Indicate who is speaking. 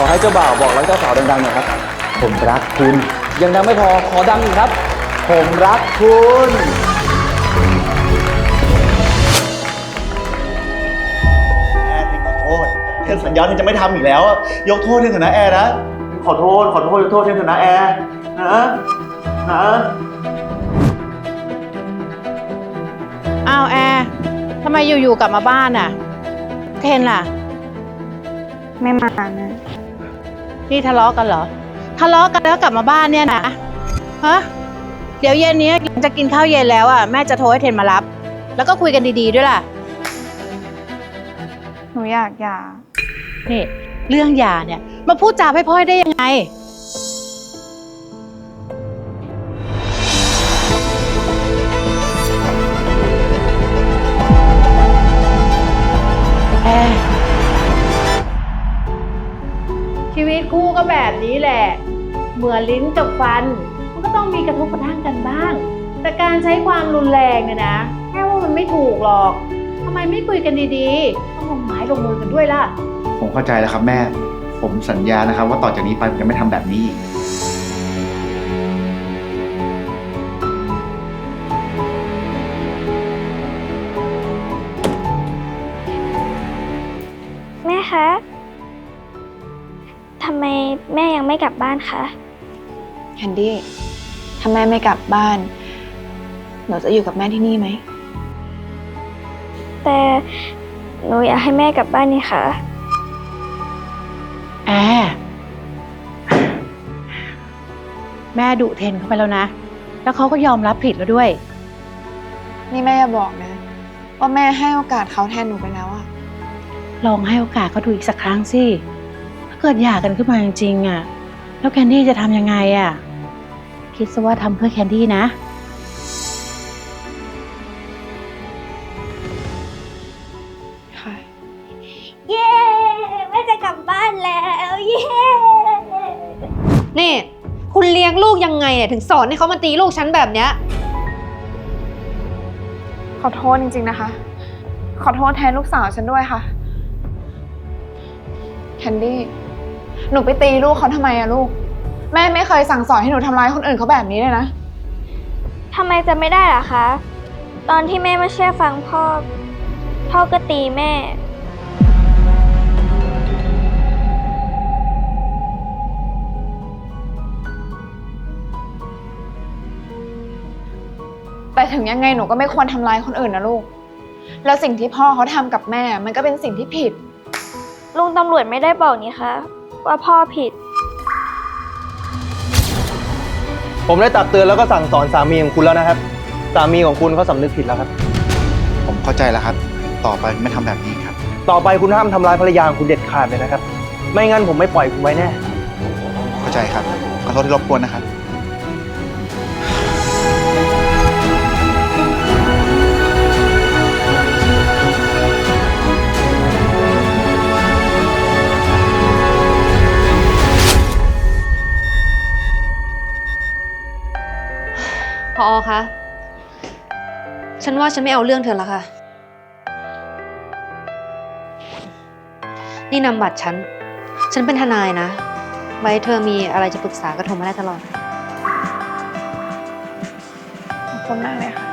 Speaker 1: อให้เจ้าบ่าวบอกรักเจ้าสาวดังๆหน่อยครับผมรักคุณยังดังไม่พอขอดังอีกครับผมรักคุณ
Speaker 2: แอร์ขอโทษเทนสัญญาเทนจะไม่ทำอีกแล้วยกโทษเทนเถอะนะแอร์นะขอโทษยกโทษเทนเถอะนะแอร์นะ
Speaker 3: อ้าวแอร์ทำไมอยู่ๆกลับมาบ้านอ่ะเทนล่ะ
Speaker 4: ไม่มานะ
Speaker 3: นี่ทะเลาะกันเหรอทะเลาะกันแล้วกลับมาบ้านเนี่ยนะฮะเดี๋ยวเย็นนี้จะกินข้าวเย็นแล้วอ่ะแม่จะโทรให้เทนมารับแล้วก็คุยกันดีๆด้วยล่ะ
Speaker 4: หนูอยากหย่า
Speaker 3: นี่เรื่องหย่าเนี่ยมาพูดจาพร่อยๆได้ยังไงแอร์ชีวิตคู่ก็แบบนี้แหละเหมือนลิ้นกับฟันมันก็ต้องมีกระทบกระทั่งกันบ้าง แต่การใช้ความรุนแรงเนี่ยนะแค่ว่ามันไม่ถูกหรอกทำไมไม่คุยกันดีๆต้องลงไม้ลงมือกันด้วยล่ะ
Speaker 2: ผมเข้าใจแล้วครับแม่ผมสัญญานะครับว่าต่อจากนี้ไปผมจะไม่ทำแบบนี้อีก
Speaker 5: แม่คะ ทำไมแม่ยังไม่กลับบ้านคะ
Speaker 4: แคนดี้ ถ้าแม่ไม่กลับบ้าน หนูจะอยู่กับแม่ที่นี่ไหม
Speaker 5: แต่หนูอยากให้แม่กลับบ้านนี่ค่ะ
Speaker 3: แอร์แม่ดุเทนเข้าไปแล้วนะ แล้วเขาก็ยอมรับผิดแล้วด้วย
Speaker 4: นี่แม่อย่าบอกนะ ว่าแม่ให้โอกาสเขาแทนหนูไปแล้วอะ
Speaker 3: ลองให้โอกาสเขาดูอีกสักครั้งสิ ถ้าเกิดหย่ากันขึ้นมาจริงๆอ่ะ แล้วแคนดี้จะทำยังไงอ่ะ คิดซะว่าทำเพื่อแคนดี้นะ
Speaker 4: ค่ะ
Speaker 5: เย้ แม่จะกลับบ้านแล้ว เย้
Speaker 6: นี่คุณเลี้ยงลูกยังไงเนี่ยถึงสอนให้เขามาตีลูกฉันแบบเนี้ย
Speaker 4: ขอโทษจริงๆนะคะ ขอโทษแทนลูกสาวฉันด้วยค่ะ แคนดี้ หนูไปตีลูกเขาทำไมอะลูก แม่ไม่เคยสั่งสอนให้หนูทำร้ายคนอื่นเขาแบบนี้เลยนะ
Speaker 5: ทำไมจะไม่ได้ล่ะคะ ตอนที่แม่ไม่เชื่อฟังพ่อ พ่อก็ตีแม่
Speaker 4: แต่ถึงยังไงหนูก็ไม่ควรทำร้ายคนอื่นนะลูก แล้วสิ่งที่พ่อเขาทำกับแม่มันก็เป็นสิ่งที่ผิด
Speaker 5: ลุงตำรวจไม่ได้บอกนี่คะ ว่าพ่อผิด
Speaker 1: ผมได้ตักเตือนแล้วก็สั่งสอนสามีของคุณแล้วนะครับสามีของคุณเขาสำนึกผิดแล้วครับ
Speaker 2: ผมเข้าใจแล้วครับต่อไปไม่ทำแบบนี้ครับ
Speaker 1: ต่อไปคุณห้ามทำร้ายภรรยาของคุณเด็ดขาดเลยนะครับ ไม่งั้นผมไม่ปล่อยคุณไว้แน่
Speaker 2: เข้าใจครับขอโทษที่รบกวนนะครับ
Speaker 6: พอคะ ฉันว่าฉันไม่เอาเรื่องเธอแล้วค่ะ นี่นำบัตรฉัน ฉันเป็นทนายนะ ไว้เธอมีอะไรจะปรึกษาก็โทรมาได้ตลอด
Speaker 4: ขอบคุณมากเลยค่ะ